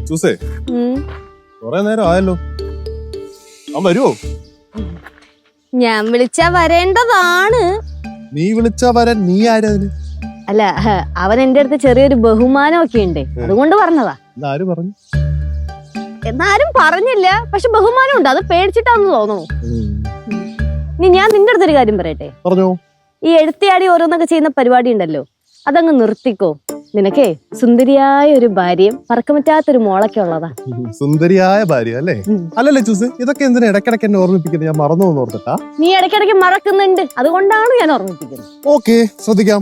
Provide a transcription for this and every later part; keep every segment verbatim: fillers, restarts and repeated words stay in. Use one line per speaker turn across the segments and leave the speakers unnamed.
ചൂസേ കൊറേ നേരം ആയല്ലോ. അവൻ വരുവോ?
ഞാൻ വിളിച്ചാ വരേണ്ടതാണ്.
നീ വിളിച്ചാ വരാൻ നീ ആരതിന്?
അല്ല, അവൻ എന്റെ അടുത്ത് ചെറിയൊരു ബഹുമാനമൊക്കെ ഉണ്ട്, അതുകൊണ്ട് പറഞ്ഞതാ.
ആര് പറഞ്ഞു?
എന്നാരും പറഞ്ഞില്ല, പക്ഷെ ബഹുമാനം ഉണ്ട്. അത് പേടിച്ചിട്ടാന്ന് തോന്നുന്നു. ഇനി ഞാൻ നിന്റെ അടുത്തൊരു കാര്യം പറയട്ടെ.
പറഞ്ഞോ.
ഈ എഴുത്തിയാടി ഓരോന്നൊക്കെ ചെയ്യുന്ന പരിപാടി ഉണ്ടല്ലോ, അതങ്ങ് നിർത്തിക്കോ. നിനക്കേ സുന്ദരിയായ ഒരു ഭാര്യയും പറക്കമറ്റാത്തൊരു മോളൊക്കെ ഉള്ളതാ.
സുന്ദരിയായ ഭാര്യ അല്ലേ? അല്ലല്ലേ ചൂസ്, ഇതൊക്കെ എന്തിനാ ഇടയ്ക്കിടയ്ക്ക് എന്നെ ഓർമ്മിപ്പിക്കുന്നത്? ഞാൻ മറന്നു എന്ന് ഓർത്തിട്ടാ?
നീ ഇടയ്ക്കിടയ്ക്ക് മറക്കുന്നുണ്ട്, അതുകൊണ്ടാണ് ഞാൻ ഓർമ്മിപ്പിക്കുന്നത്.
ഓക്കെ, ശ്രദ്ധിക്കാം.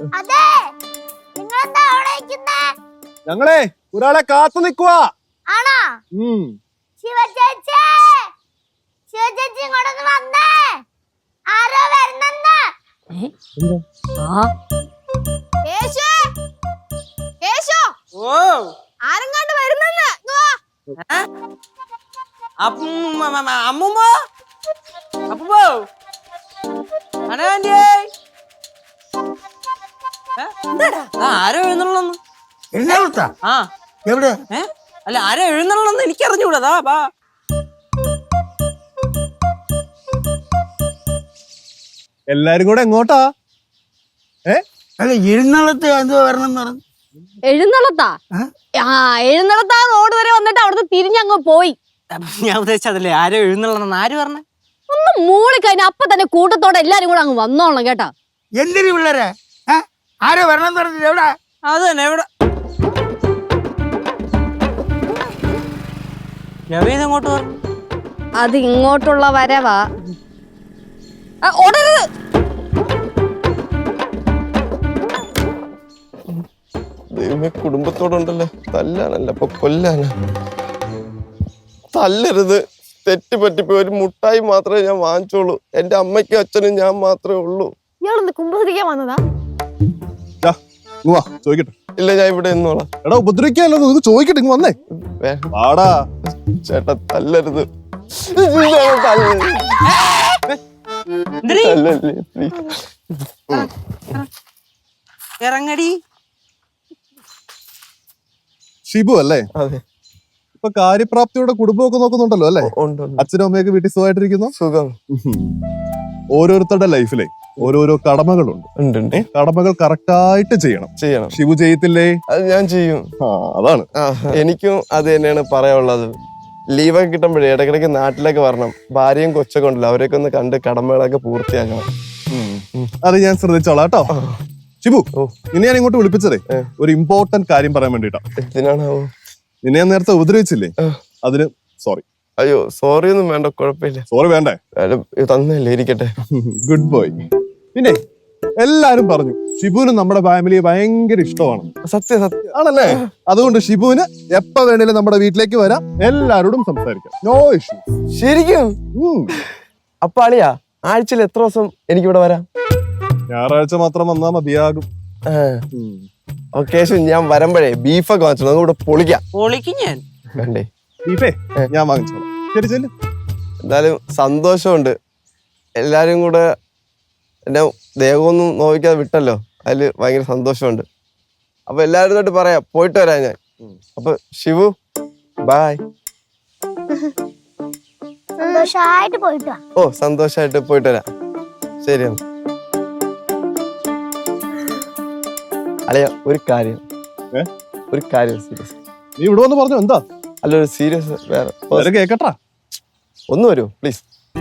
ഞങ്ങളെ ഒരാളെ കാത്തു നിക്കുവാ.
ആരെങ്ങാണ്ട് വരുന്നെന്ന്.
അമ്മൂമ്മ അപ്പൂപ്പോ ആരോ എഴുന്നള്ളന്ന്.
എഴുന്നള്ളത്താ?
ആ
എവിടെ?
ഏ അല്ല, ആരോ എഴുന്നള്ളന്ന് എനിക്ക് അറിഞ്ഞൂടാ. ബാ
എല്ലാരും കൂടെ എങ്ങോട്ടാ? ഏ
അല്ല, എഴുന്നള്ളത്ത് എന്തോ വരണം എന്ന് പറഞ്ഞു.
എഴുന്നള്ളത്താ? ആ, എഴുന്നള്ളത്താ റോഡ് വരെ വന്നിട്ട് അവിടുന്ന് തിരിഞ്ഞങ്ങ് പോയി.
ഞാൻ ഉദ്ദേശിച്ചതല്ലേ, ആരോ എഴുന്നള്ളന്ന് ആര് പറഞ്ഞ?
ഒന്ന് മൂളി കഴിഞ്ഞ അപ്പൊ തന്നെ കൂട്ടത്തോടെ എല്ലാരും കൂടെ അങ്ങ് വന്നോളണം കേട്ടാ.
എന്തിനു പിള്ളേരെ? ആരോ വരണം എന്ന് പറഞ്ഞിട്ട് എവിടെ?
അത് തന്നെ, എവിടെ? എങ്ങോട്ട് പറഞ്ഞു?
അത് ഇങ്ങോട്ടുള്ള വരവാ. ഓടരുത്.
ദൈവമേ, കുടുംബത്തോടുണ്ടല്ലോ, തല്ലാനല്ല അപ്പൊ കൊല്ലാന. തല്ലരുത്, തെറ്റ് പറ്റിപ്പോ. ഒരു മുട്ടായി മാത്രമേ ഞാൻ വാങ്ങിച്ചോളൂ. എന്റെ അമ്മയ്ക്കും അച്ഛനും ഞാൻ മാത്രമേ ഉള്ളൂ.
ഇയാളൊന്ന് കുമ്പസരിക്കാൻ വന്നതാ?
ചോദിക്കട്ടെ.
ഇല്ല, ഞാൻ ഇവിടെ നിന്നോളാം.
എടാ, ഉപദ്രവിക്കാല്ലോ, ഇത് ചോദിക്കട്ടെ. ഇങ്ങ് വന്നേ. വാടാ.
ചേട്ടാ, തല്ലരുത്.
ഇറങ്ങടി.
ഷിബു അല്ലേ?
അതെ.
ഇപ്പൊ കാര്യപ്രാപ്തിയോടെ കുടുംബമൊക്കെ നോക്കുന്നുണ്ടല്ലോ അല്ലേ? അച്ഛനും അമ്മയൊക്കെ വീട്ടിൽ സുഖമായിട്ടിരിക്കുന്നു?
സുഖം.
ഓരോരുത്തരുടെ ലൈഫിലെ ഓരോരോ കടമകളുണ്ട്. കടമകൾ കറക്റ്റായിട്ട് ചെയ്യണം.
ചെയ്യണം.
ഷിബു ചെയ്യത്തില്ലേ?
അത് ഞാൻ ചെയ്യും.
അതാണ്.
എനിക്കും അത് തന്നെയാണ് പറയാനുള്ളത്. ലീവൊക്കെ കിട്ടുമ്പോഴേ ഇടയ്ക്കിടയ്ക്ക് നാട്ടിലേക്ക് വരണം. ഭാര്യയും കൊച്ചൊക്കെ ഉണ്ടല്ലോ, അവരെയൊക്കെ ഒന്ന് കണ്ട് കടമകളൊക്കെ പൂർത്തിയാക്കണം.
അത് ഞാൻ ശ്രദ്ധിച്ചോളാം കേട്ടോ. ഷിബു, നിന്നെ ഞാൻ ഇങ്ങോട്ട് വിളിപ്പിച്ചതേ ഒരു ഇമ്പോർട്ടന്റ് കാര്യം പറയാൻ വേണ്ടിട്ടാ.
എന്തിനാണാവോ?
നിന്നെ ഞാൻ നേരത്തെ ഉപദ്രവിച്ചില്ലേ, അതിന് സോറി.
അയ്യോ, സോറി ഒന്നും വേണ്ട, കുഴപ്പമില്ല.
സോറി വേണ്ടേ?
തന്നല്ലേ, ഇരിക്കട്ടെ.
Good boy. പിന്നെ എല്ലാരും പറഞ്ഞു ഷിബുവിന് നമ്മുടെ ഫാമിലിയെ ഭയങ്കര ഇഷ്ടമാണ്.
സത്യം സത്യം
ആണല്ലേ? അതുകൊണ്ട് ഷിബുവിന് എപ്പോ വേണേലും നമ്മുടെ വീട്ടിലേക്ക് വരാം, എല്ലാരോടും സംസാരിക്കാം. No issue.
ശരിക്കും? അപ്പൊ അളിയാ, ആഴ്ചയിൽ എത്ര ദിവസം എനിക്കിവിടെ വരാം?
ഞായറാഴ്ച മാത്രം വന്നാ മതിയാകും.
ഒക്കേഷൻ ഞാൻ വരുമ്പോഴേ ബീഫൊക്കെ വാങ്ങിച്ചോ, അതുകൂടെ പൊളിക്കാം.
പൊളിക്കും ഞാൻ.
വേണ്ടേ?
ബീഫേ ഞാൻ വാങ്ങിച്ചോളാം. ശരി, ചെല്ലു.
എന്തായാലും സന്തോഷമുണ്ട്. എല്ലാരും കൂടെ എന്നെ ദേഹമൊന്നും നോവിക്കാതെ വിട്ടല്ലോ, അതില് ഭയങ്കര സന്തോഷമുണ്ട്. അപ്പൊ എല്ലാരും തൊട്ട് പറയാം, പോയിട്ട് വരാം ഞാൻ. അപ്പൊ ഷിബു, ബായ്. ഓ, സന്തോഷായിട്ട് പോയിട്ട് വരാം. ശരിയാണ്. അളിയ, ഒരു കാര്യം ഒരു കാര്യം സീരിയസ്.
നീ ഇവിടെ വന്ന് പറഞ്ഞു എന്താ?
അല്ല, ഒരു സീരിയസ്. വേറെ
കേക്കട്ടാ.
ഒന്ന് വരുമോ പ്ലീസ്?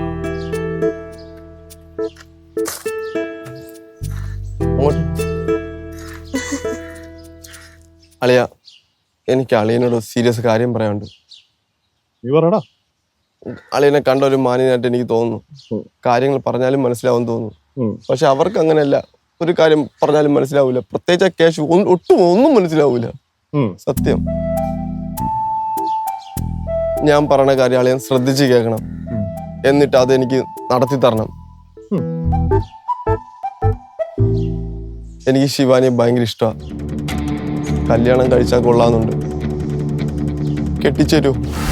അളിയ, എനിക്ക് അളിയനോട് സീരിയസ് കാര്യം പറയാനുണ്ട്.
നീ പറയടാ.
അളിയനെ കണ്ട ഒരു മാന്യനായിട്ട് എനിക്ക് തോന്നുന്നു. കാര്യങ്ങൾ പറഞ്ഞാലും മനസ്സിലാവും തോന്നുന്നു. പക്ഷെ അവർക്ക് അങ്ങനെയല്ല. ഒരു കാര്യം പറഞ്ഞാലും മനസ്സിലാവൂല. പ്രത്യേകിച്ച് ആ കേശു ഒട്ടും ഒന്നും മനസ്സിലാവൂല. സത്യം. ഞാൻ പറഞ്ഞ കാര്യം അളിയൻ ശ്രദ്ധിച്ച് കേൾക്കണം. എന്നിട്ട് അതെനിക്ക് നടത്തി തരണം. എനിക്ക് ശിവാനിയെ ഭയങ്കര ഇഷ്ടമാണ്. കല്യാണം കഴിച്ചാൽ കൊള്ളാന്നുണ്ട്. കെട്ടിച്ചേരൂ.